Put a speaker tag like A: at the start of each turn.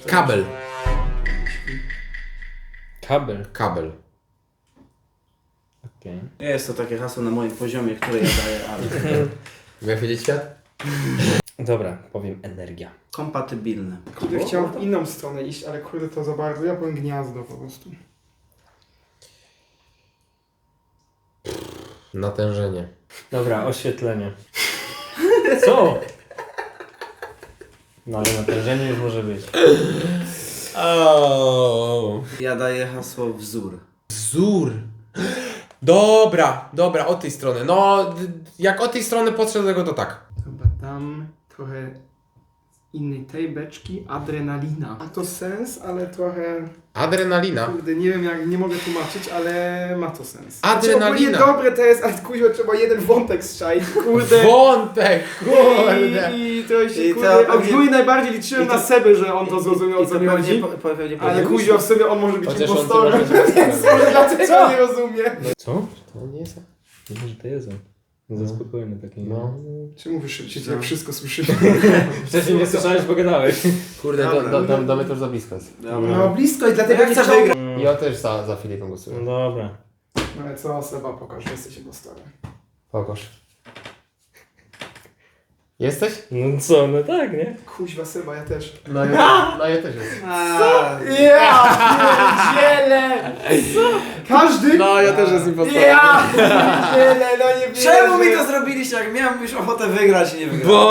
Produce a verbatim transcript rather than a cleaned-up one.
A: tak.
B: Kabel.
C: Kabel.
B: Kabel.
C: Okej.
A: Nie jest to takie hasło na moim poziomie, które ja daję, ale...
B: Miał wiedzieć świat?
C: Dobra, powiem energia.
A: Kompatybilne.
D: Kurde, chciałem w inną stronę iść, ale kurde to za bardzo. Ja powiem gniazdo po prostu.
B: Natężenie.
C: Dobra, oświetlenie. Co? No ale natężenie już może być.
B: Oh.
A: Ja daję hasło wzór.
B: Wzór. Dobra, dobra, od tej strony. No, d- jak od tej strony podszedł do tego, to tak.
D: Chyba dam trochę innej tej beczki. Adrenalina. Ma to sens, ale trochę...
B: Adrenalina.
D: Kurde, nie wiem jak, nie mogę tłumaczyć, ale ma to sens.
B: Adrenalina.
D: Znaczy, dobre to jest, ale kuźwa trzeba jeden wątek strzelić, kurde.
B: Wątek, kurde.
D: I, I to się,
A: I
D: kurde,
A: to
D: od
A: pewnie-
D: góry najbardziej liczyłem
A: i to-
D: na Sebę, że on to zrozumiał, o
A: I
D: co
A: to
D: mi
A: pewnie,
D: chodzi.
A: po, po, pewnie
D: Ale
A: powinien-
D: kuźwa w sobie on może być
B: Chociaż on
D: impostorem,
B: to może być
D: więc może dlatego
C: Co?
D: nie rozumie.
C: Co?
B: To nie jest...
C: Myślę, że to jest on. Za spokojny taki.
B: No.
D: Czemu wy szybciej,
A: Co?
D: jak wszystko słyszycie?
C: Wcześniej nie słyszałeś, bo gadałeś.
B: Kurde, do,
A: Dobra.
B: do, do, do mnie to już za blisko jest.
A: Dobra.
D: No blisko i dlatego
A: Jak
D: nie
A: chcę
D: chciał...
A: wygrać?
B: Ja też za, za Filipem
C: No
B: głosuję.
C: dobra.
D: No ale co, Seba, pokaż, że jesteś impostorem.
B: Pokaż. Jesteś?
C: No co, no tak, nie?
D: Kuźwa, Seba, ja też.
B: No ja, no ja też jestem.
A: A,
D: Ja pierdzielę! Każdy?
B: No ja też jestem impostorem.
D: Ja pierdzielę, no nie wierzę.
A: Czemu mi to zrobiliście, jak miałem już ochotę wygrać i nie wygrać?